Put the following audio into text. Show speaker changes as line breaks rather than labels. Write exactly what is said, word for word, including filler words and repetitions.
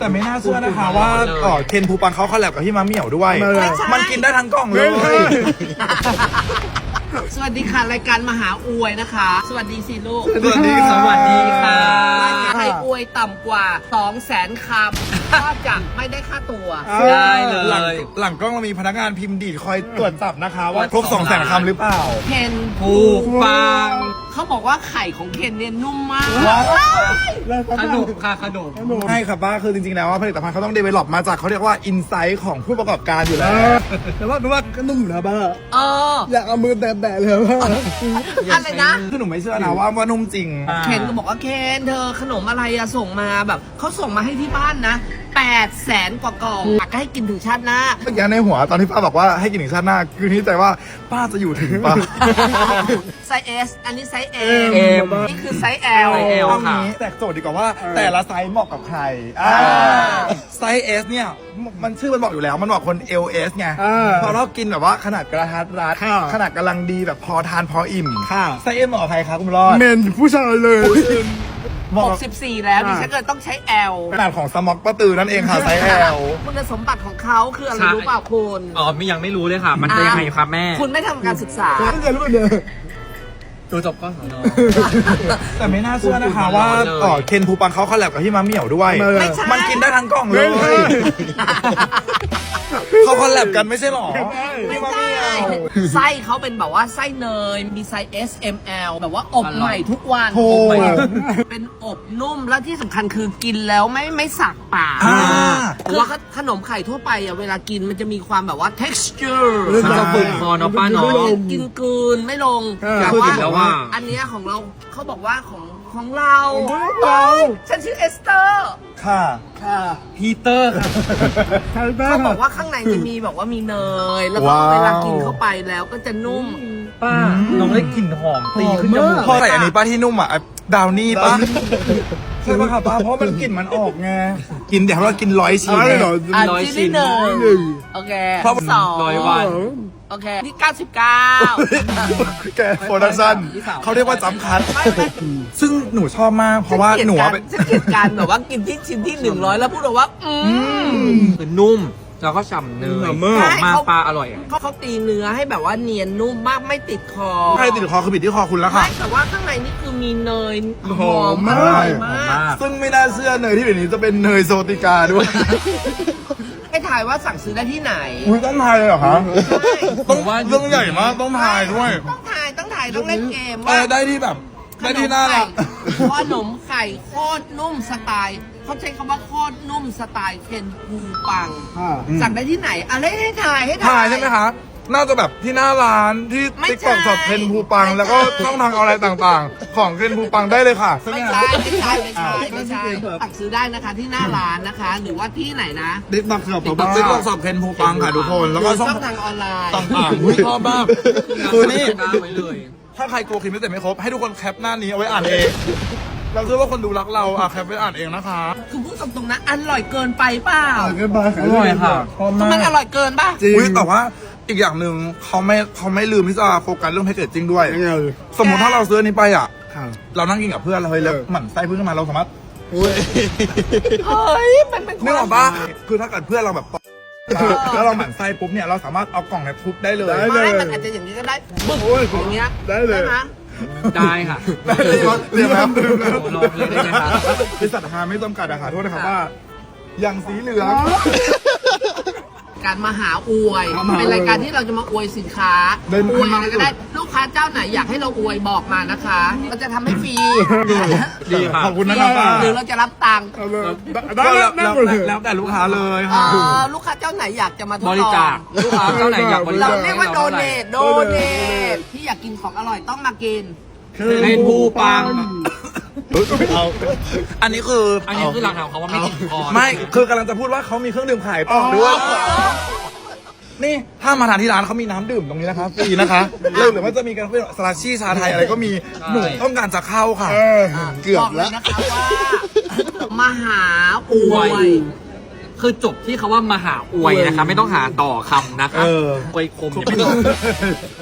แต่ไม่น่าเชื่อนะคะว่าเอ่อเคนภูปังเขาคอลแลบกับพี่มะเหมี่ยวด้วยมันกินได้ทั้งกล่องเลย
สวัสดีค่ะรายการมหาอวยนะคะ สวัสดีสิลูก
สวัสดีค่ะ
สวัสดีค่ะ
ใครอวยต่ำกว่า สองแสน คำก็จะไม่ได้ค่าตัว
ได้เลย
หลังหลังกล้องเรามีพนักงานพิมพ์ดีดคอยตรวจจับนะคะ ว่าครบสองแสนคำหรือเปล่า
เคน
ผูกปัง
เขาบอกว่าไข่ของเคนเนี่ยนุ่มมาก
ขนมค่ะขนม
ใช่ครับป้าคือจริงๆแล้วว่าผลิตภัณฑ์เขาต้องเดเวล็อปมาจากเขาเรียกว่าอินไซต์ของผู้ประกอบการอยู่แล้ว
แต่ว่าแต่ว่าก็นุ่มอยู่นะบ้า
เออ
อยากเอามือแตะๆเลยว่า
อะไรนะ
คือหนูไม่เชื่อนะว่าว่านุ่มจริง
เคนก็บอกว่าเคนเธอขนมอะไรอะส่งมาแบบเขาส่งมาให้ที่บ้านนะแปดแสนกว่ากล่องอยากให้กินถึงชาติหน้า
เมื่อกี้ในหัวตอนที่ป้าบอกว่าให้กินถึงชาติหน้า คือนี่ใจว่าป้าจะอยู่ถึงป้า
ไซส์ S อันนี้ไซส์ M
M
นี่คือไซส์ L
ไซส์ L
เอางี้แตกโจทย์ดีกว่าว่าแต่ละไซส์เหมาะกับใครอ่าไซส์ S เนี่ยมันชื่อมันบอกอยู่แล้วมันบอกคน เอล เอส ไงพอเรากินแบบว่าขนาดกระทัดรัดขนาดกำลังดีแบบพอทานพออิ่ม
ค่ะ
ไซส์ M เหมาะกับใครครับคุณรอด
เมนผู้ชายเลย
เหมาะ
ห
กั
ก
บ
สิบสี่แล้วดิฉันก็เลยต้องใช้ L
ขนาดของสม็อกป้าตือนั่นเองค่ะไซส์ L
คุณสมบัติของเขาคืออะไร
ใช่
รู้เปล่าคุณ
อ๋อไม่ยังไม่รู้เลยค่ะ มันจะยังไงครับแม่
คุณไม่ทำการศึกษา
ตั้งใจรู้เลย
ตัวจบก็สอนอ
แต่ไม่น่าเชื่อนะคะว่าเอ่อเคนภูปังเขาคอลแลบกับพี่มะเหมี่ยวด้วย
ไม่ใช่
มันกินได้ทั้งกล่องเลย เขาคอลแลบกันไม่ใช่หรอ
ไม่ใช่ไส้เขาเป็นแบบว่าไส้เนย มีไซส์ S M L แบบว่าอบใหม่ทุกวัน
โอ้ย
เป็นอบนุ่มและที่สำคัญคือกินแล้วไม่ไม่สักปาก
อ่า
คือว่าขนมไข่ทั่วไปอ่ะเวลากินมันจะมีความแบบว่า texture
มันจะฝึกคอเนาะป้าเนาะ
กินกลืนไม่ลง
เออ
แต่
คือ
ว่า
กินแล้วว่า
อันเนี้ยของเราเขาบอกว่าของของเรา
เรา
ฉันชื่อเอสเตอร์
ค่ะ
ค่ะ
ฮีเตอร์ค่ะ
ใช่บ้า
เขาบอกว่าข้างในจะมีแบบว่ามีเนย แล้วก็
ว้าว
เวลากินเข้าไปแล้วก็จะนุ่ม
ป้าน้องได้กลิ่นหอมตีขึ้นจมูก
พอใส่อันนี้ป้าที่นุ่มอ่ะดาวนี่ป้าใช่ป่ะครับป้าเพราะมันกลิ่นมันออกไงกินเดี๋ยวเรากินร้อยชิ้น
อะไรเหรอ
อ่ะ
ร้อย
ชิ้น
ชิ้
ที่
น
หนึ่ง
หนึ่ง
โอเค
เพราะ
สอง
ร้อยวัน
โอเคนี่เก้าสิบเก้า
แกโปรดักชั่นเขาเรียกว่าจำคัด ซึ่งหนูชอบมากเพราะว่าหนูอะเป็น
ฉันเกลียดการแบบว่ากินที่ชิ้นที่หนึ่งร้อยแล้วพูดแบบว่า อืม
คือนุ่ม แล้วก็ฉ่ำเนย
หอมมาก
หอมมากปลาอร่อยอะ
เขาเขาตีเนื้อให้แบบว่าเนียนนุ่มมากไม่ติดคอ
ใครติดคอคือบิดที่คอคุณแล้ว
ไม่
ค่ะ
แต่ว่าข้างในนี่คือมีเนย
หอม
อ
มาก
ร่อย
หอ
มาม
มาก ก
ซึ่งไม่น่าเชื่อเนยที่เดี๋ยวนี้จะเป็นเนยโซติกาด้วย
ให้ถ่ายว่าสั่งซื้อได้ที่ไหน
อุ้ยต้องทายเลยเหรอคะ
ใช่
ต้องเรื่องใหญ่มากต้องทายด้วย
ต้องถ่ายต้องถ่ายต้องเล่นเกม
เอ
ว่า
อได้ที่แบบได้ที่น่ารัก
ขนมไข่โคตรนุ่มสไตล์เขาใช้คำว่าโคตรนุ่มสไตล์เคนภูปัง
ค่ะ
สั่งได้ที่ไหนอะไรให้ถ่ายให้
ทายใช่ไหมคะ น่าจะแบบที่หน้าร้านที่
ไม่
ติ๊ก
ใช่
ต็อกสอบเคนภูปัง แล้วก็ช่องทางออนไลน์ต่างๆ ของเคนภูปังได้เลยค่ะใช่ไหม
ไม่
คะ
ใช่ไม่ใช่ไม่ใช่ไม่ใช่สั่งซื้อได้นะคะที่หน้าร้านนะคะ หรือว่าที่ไหนนะ
เด็กตักสอบต่อ
ติ๊ก
บ้า
ต็อกสอบเคนภูปังค่ะทุกคน แล้วก็ช่อง
ช่องทางออนไลน์
ต่างๆอุ๊ยชอบมากคือนี่
กล้าไว้เลย
ถ้าใครกลัวคลิปไม่เสร็จไม่ครบ ให้ทุกคนแคปหน้านี้เอาไว้อ่านเอง เราเชื่อว่าคนดูรักเราอ่ะแคปไว้อ่านเองนะคะ
คือพูดตรงๆนะอร่อยเกินไปเปล่า
เกินไป
อร่อยค่ะ
คือมันอร่อยเกินป่ะ
จริง
อุ้ยแต่ว่าอีกอย่างหนึ่งเขาไม่เขาไม่ลืมที่จะโฟกัสเรื่องแพคเกจจิ้งด้วย
ยังไง
สมมติถ้าเราซื้ออันนี้ไปอ่ะ
ค่ะ
เรานั่งกินกับเพื่อนเราเฮ้ยแล้วหมั่นไส้เพื่อนขึ้นมาเราสามารถ
อุ้ย
เฮ้ยมันเป็น
นึกออกปะคือถ้าเกิดเพื่อนเราแบบแล้วเราหมั่นไส้ปุ๊บเนี่ยเราสามารถเอากล่องเนี่ยทุบได้เลย
ได้
ไม่มันอาจจะอย่างนี้ก็ได้บึ้ง
โอ้ย
อย่างเงี้ย
ได้เลย
ไหม
ได้ค่ะ
ได้เลยเรียบร้อย
โอ้โหลองเลยได้ไหมคะ
บริษัทฮาไม่จำกัดอะค่ะโทษนะครับว่า อย่างสีเหลือง
การมาหาอวย
เอามา
เป็นรายการที่เราจะมาอวยสินค้า
ได้
อวยอะไรก็ได้ลูกค้าเจ้าไหนอยากให้เราอวยบอกมานะคะเราจะทำให้ฟรี
ดีค่ะ
ขอบคุณนะครับป้า
หรือเราจะรับตังค์
เอาเลย
ก็
ได้
แล้ว
นั่
แล้
ง
ว
หมดเลย
แล้วแต่ลูกค้าเลย
เอ่
ค่ะ
อลูกค้าเจ้าไหนอยากจะมาทดล
บ
อง
ริจาคลูกค้าเจ้าไหนอยากบริ
เรา
จาค
เรียกว่าโด
ให้
เน
เรา
ท
เท่าไหร่
โดเนทที่อยากกินของอร่อยต้องมากิน
เป็นภูปัง
เอาอันนี้คือ
อั
อั
นนี้คือหลักฐานของเขาว่าไม่ติดคอ
ไม่คือกำลังจะพูดว่าเขามีเครื่องดื่มขายต่อด้วยนี่ถ้ามาทานที่ร้านเขามีน้ำดื่มตรงนี้นะคะฟรีนะคะเลิกหรือว่าจะมีกันเป็นสลาชี่ชาไทยอะไรก็มีหนูต้องการจะเข้าค่ะ
เออเกือ
บบ อกเล
แล้
ยว นะคะว่า มหาอวย
คือจบที่คาว่ามหาอวยนะคะ ไม่ต้องหาต่อคำนะคะ
เออ
อวยคมเนี่ยไม่ต้อง